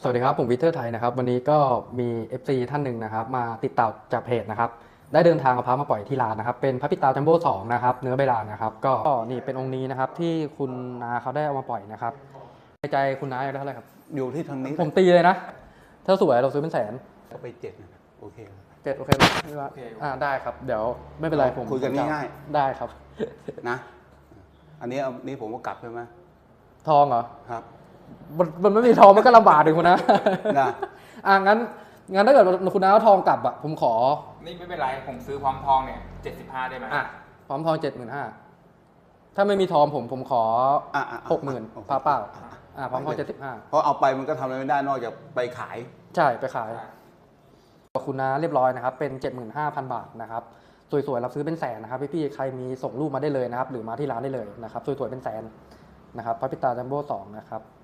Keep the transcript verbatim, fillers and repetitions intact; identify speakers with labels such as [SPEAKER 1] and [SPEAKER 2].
[SPEAKER 1] สวัสดีครับผมวิเทอร์ไทยนะครับวันนี้ก็มี เอฟ ซี ท่านหนึ่งนะครับมาติดต่อจากเพจนะครับได้เดินทางเอาพระมาปล่อยที่ร้านนะครับเป็นพระปิตาจัมโบ้สองนะครับเนื้อใบลานนะครับก็นี่เป็นองค์นี้นะครับที่คุณนาเขาได้เอามาปล่อยนะครับในใจคุณนาอยากได้เท่าไหร่ครับ
[SPEAKER 2] อยู่ที่ทางนี้
[SPEAKER 1] ผมตีเลยนะถ้าสวยเราซื้อเป็นแสน
[SPEAKER 2] ไปเจ็ดนะครับโอเค
[SPEAKER 1] เจ็ดโอเคไหมไม่ว่าอ่าได้ครับเดี๋ยวไม่เป็นไรผม
[SPEAKER 2] คุยกันง่าย
[SPEAKER 1] ๆได้ครับ
[SPEAKER 2] นะอันนี้เอานี้ผมก็กลับใช่ไหม
[SPEAKER 1] ทองเหรอ
[SPEAKER 2] ครับ
[SPEAKER 1] มันมันไม่มีทองมันก็ลำบากถึงคุณนะ
[SPEAKER 2] นะ
[SPEAKER 1] อ่างั้นงั้นถ้าเกิดคุณน้าเอาทองกลับอ่ะผมขอ
[SPEAKER 3] นี่ไม่เป็นไรผมซื้อพร้อมทองเนี่ยเจ็ดสิบห้าได้ไหม
[SPEAKER 1] อ่ะพร้อมทองเจ็ดหมื่นห้าถ้าไม่มีทองผมผมขอหกหมื่นพาเปล่าอ่าพร้อมทองเจ็ดสิบห้า
[SPEAKER 2] เพราะเอาไปมันก็ทำอะไรไม่ได้นอกจากไปขาย
[SPEAKER 1] ใช่ไปขายคุณน้าเรียบร้อยนะครับเป็นเจ็ดหมื่นห้าพันบาทนะครับสวยๆรับซื้อเป็นแสนนะครับพี่ๆใครมีส่งรูปมาได้เลยนะครับหรือมาที่ร้านได้เลยนะครับสวยๆเป็นแสนนะครับพระปิตาจัมโบ้สองนะครับ